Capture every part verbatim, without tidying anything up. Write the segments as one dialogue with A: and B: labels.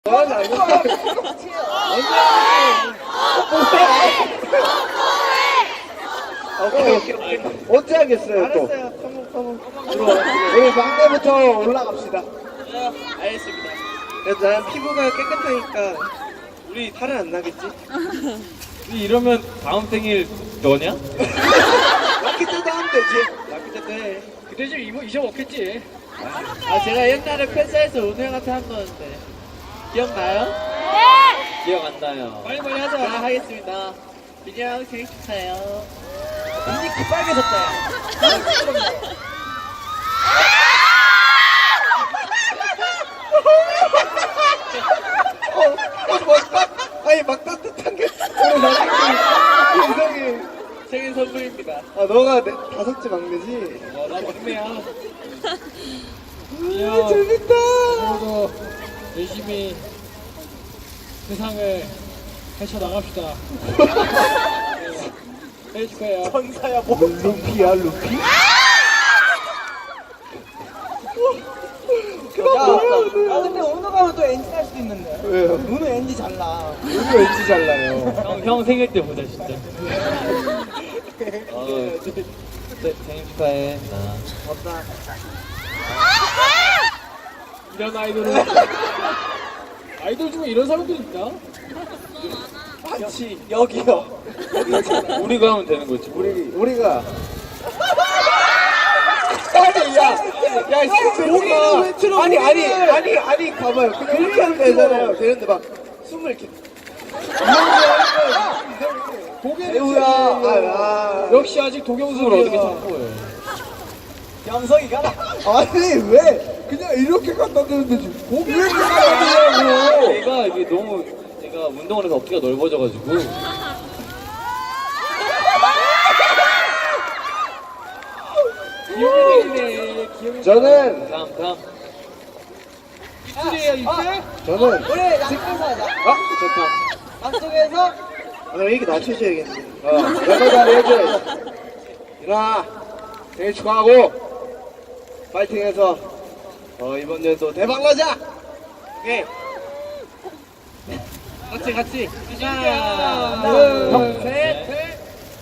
A: 넌 알겠어. 오케이, 오케이, 오케이. 어떻게 하겠어요, 또? 알았어요. 커먼, 커먼. 들어와. 우리 막내부터 올라갑시다.
B: 알겠습니다. 그래도 난 피부가 깨끗하니까 우리 탈은 안 나겠지?
C: 이러면 다음 생일 너냐?
B: 락키 때도 하면 되지. 락키 때도 해.
C: 그때 좀 이모 잊어먹겠지.
B: 아, 제가 옛날에 팬사에서 은우 형한테 한 거였는데 기억나요?
C: 기억 안 나요.
B: 빨리 빨리 하자. 아, 하겠습니다. 민이 형 생일 축하해요. 민이 그 빨개졌다. 어, 어, 막 따, 아니 막 따뜻한 게 오늘 나중에 이상해. 생일 선물입니다. 아, 너가 내, 다섯째 막내지?
C: 어, 나 막내야.
B: 아, 재밌다.
C: 그래도 열심히 세상을 헤쳐 나갑시다. 네, 해줄거예요.
B: 천사야 뭐? 루피야 루피?
D: 야, 아 근데 오늘 가면 또 엔지 할 수도 있는데.
B: 왜요?
D: 오늘 엔지 잘나.
B: 누구 왠지 잘나요?
C: 형, 형 생일 때 보자 진짜. 어, 네, 생일 축하해. 나.
B: 없다.
C: 이런 아이돌은 아이돌 중에 이런 사람들이 있나?
B: 반치 여기요.
C: 우리가 하면 되는 거지.
B: 우리 우리가. 아니 야, 야 여기가 아니 아니 아니 아니 가봐요. 그냥 이렇게 하면 되잖아요. 되는데 막 숨을 이렇게.
C: 고개
B: 배우야. 아,
C: 역시 아직 도경수를 어떻게 찾고 해?
D: 영석이가
B: 아니 왜 그냥 이렇게 갖다 대는데 지금 고기 왜 이렇게 갖다 대냐고.
C: 얘가 이게 너무 제가 운동을 해서 어깨가 넓어져가지고 귀여우네 귀여우.
B: 저는
C: 다음 다음 입술이에요 입술?
B: 저는
D: 우리 양쪽에서 하자.
B: 아 좋다.
D: 양쪽에서
B: 아, 그럼 이렇게 낮춰줘야겠네. 어, 여자 자리 해줘야지. 일어나. 생일 축하하고, 파이팅해서, 어, 이번 년도 대박 나자! 오케이. 같이, 같이. 하나, 둘, 셋, 셋.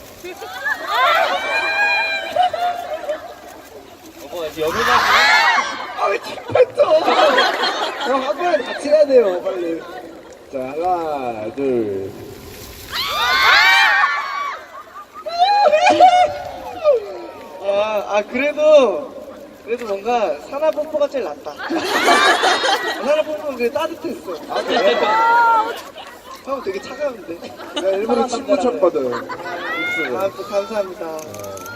C: 어머 이제 여기가
B: 아, 왜 킥했어? 형, 한 번에 같이 해야 돼요, 빨리. 자, 하나, 둘. 아, 아 그래도 그래도 뭔가 산화 뽀뽀가 제일 낫다. 산화 뽀뽀는 되게 따뜻했어. 아 그래? 형 되게 차가운데. 나 일부러 친구 쳤거든. 아, 또 감사합니다.